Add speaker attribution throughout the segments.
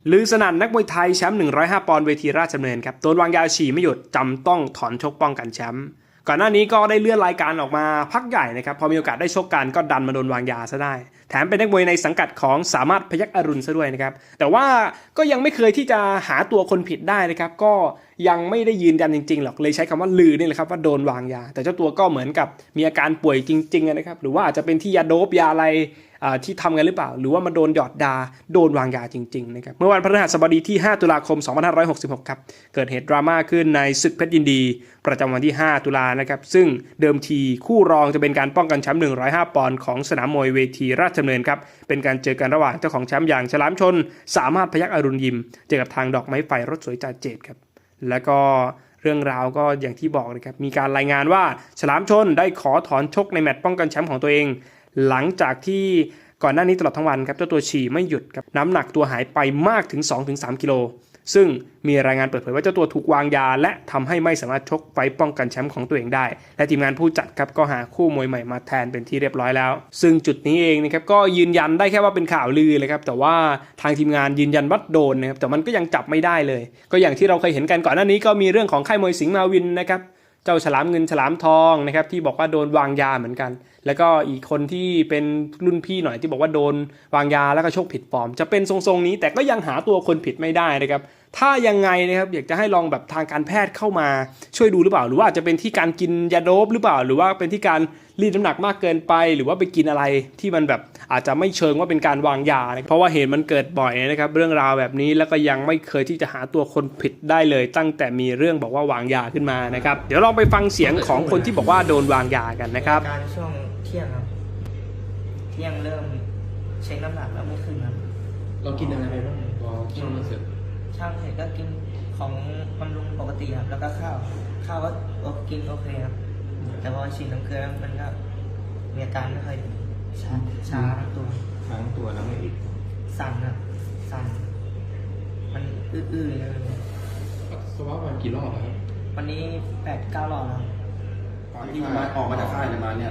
Speaker 1: ลือสนั่นนักมวยไทยแชมป์105 ปอนด์เวทีราชดำเนินครับโดนวางยาฉี่ไม่หยุดจำต้องถอนชกป้องกันแชมป์ก่อนหน้านี้ก็ได้เลื่อนรายการออกมาพักใหญ่นะครับพอมีโอกาสได้ชกกันก็ดันมาโดนวางยาซะได้แถมเป็นนักมวยในสังกัดของสามารถพยัคฆ์อรุณซะด้วยนะครับแต่ว่าก็ยังไม่เคยที่จะหาตัวคนผิดได้นะครับก็ยังไม่ได้ยืนยันจริงๆหรอกเลยใช้คำว่าลือนี่แหละครับว่าโดนวางยาแต่เจ้าตัวก็เหมือนกับมีอาการป่วยจริงๆนะครับหรือว่าอาจจะเป็นที่ยาโดปยาอะไรที่ทำกันหรือเปล่าหรือว่ามาโดนหยอดดาโดนวางยาจริงๆนะครับเมื่อวันพฤหัสบดีที่5ตุลาคม2566ครับเกิดเหตุดราม่าขึ้นในศึกเพชรยินดีประจำวันที่5ตุลานะครับซึ่งเดิมทีคู่รองจะเป็นการป้องกันแชมป์105 ปอนด์ของสนามมวยเวทีราชดำเนินครับเป็นการเจอกันระหว่างเจ้าของแชมป์อย่างฉลามชนสามารถพยัคฆ์อรุณยิมเจอกับทางดอกไม้ไฟรถสวยจ่าเจตครับแล้วก็เรื่องราวก็อย่างที่บอกเลยครับมีการรายงานว่าฉลามชนได้ขอถอนชกในแมตช์ป้องกันแชมป์ของตัวเองหลังจากที่ก่อนหน้านี้ตลอดทั้งวันครับเจ้าตัวฉี่ไม่หยุดครับน้ำหนักตัวหายไปมากถึง 2-3 กิโลซึ่งมีรายงานเปิดเผยว่าเจ้าตัวถูกวางยาและทำให้ไม่สามารถชกไฟป้องกันแชมป์ของตัวเองได้และทีมงานผู้จัดครับก็หาคู่มวยใหม่มาแทนเป็นที่เรียบร้อยแล้วซึ่งจุดนี้เองนะครับก็ยืนยันได้แค่ว่าเป็นข่าวลือเลยครับแต่ว่าทางทีมงานยืนยันว่าโดนนะครับแต่มันก็ยังจับไม่ได้เลยก็อย่างที่เราเคยเห็นกันก่อนหน้านี้ก็มีเรื่องของค่ายมวยสิงห์มาวินนะครับเจ้าฉลามเงินฉลามทองนะครับที่บอกว่าโดนวางยาเหมือนกันแล้วก็อีกคนที่เป็นรุ่นพี่หน่อยที่บอกว่าโดนวางยาแล้วก็ชกผิดฟอร์มจะเป็นทรงๆนี้แต่ก็ยังหาตัวคนผิดไม่ได้นะครับถ้ายังไงนะครับอยากจะให้ลองแบบทางการแพทย์เข้ามาช่วยดูหรือเปล่าหรือว่าอาจจะเป็นที่การกินยาโดปหรือเปล่าหรือว่าเป็นที่การรีดน้ำหนักมากเกินไปหรือว่าไปกินอะไรที่มันแบบอาจจะไม่เชิงว่าเป็นการวางยาเพราะว่าเหตุมันเกิดบ่อยนะครับเรื่องราวแบบนี้แล้วก็ยังไม่เคยที่จะหาตัวคนผิดได้เลยตั้งแต่มีเรื่องบอกว่าวางยาขึ้นมานะครับเดี๋ยวลองไปฟังเสียงของคนที่บอกว่าโดนวางยากันนะครับ
Speaker 2: การช่วงเที่ยงครับเที่ยงเริ่มเช็คน้ำหนักแล้วไม่ขึ้นครับ
Speaker 3: เรากินอะไรไปบ้างพอช่างเสร็จ
Speaker 2: ช่างเสร็จก็กินของบำรุงปกติครับแล้วก็ข้าวก็กินโอเคครับแต่พอฉีดน้ำเกลือมันก็มีอาการไม่ค่อยดีช้าทั้งตัว
Speaker 3: แล้วไม่อีก
Speaker 2: สั่นครับสั่นมันอื้อๆเลย
Speaker 3: สวัสดิ์วันกี่รอบครับ
Speaker 2: วันนี้8-9 รอบแล้ว
Speaker 4: ตอนที่มาออกมาจากค่ายมาเนี่ย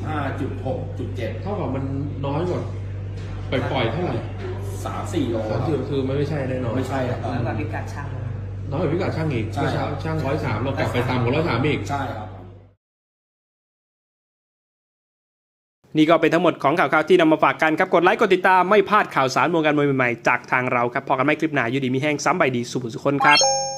Speaker 4: 45.6.7
Speaker 3: เท่ากับมันน้อยกว่าปล่อยเท่าไหร่
Speaker 4: 3-4 โล
Speaker 3: คือไม่ใช่แน่นอน
Speaker 4: ไม่ใช่ครับ
Speaker 2: น้อยกว่าพิกัดช่าง
Speaker 3: น้อยกว่าพิกัดช่างอีกเมื่อเช้าช่าง103เรากลับไปตามของ103อีก
Speaker 4: ใช่ครับ
Speaker 1: นี่ก็เป็นทั้งหมดของข่าวที่นำมาฝากกันครับกดไลค์กดติดตามไม่พลาดข่าวสารวงการมวยใหม่ๆจากทางเราครับพอกันไม่คลิปหน้าอยู่ดีมีแห้งซ้ำใบดีสุขสุขคนครับ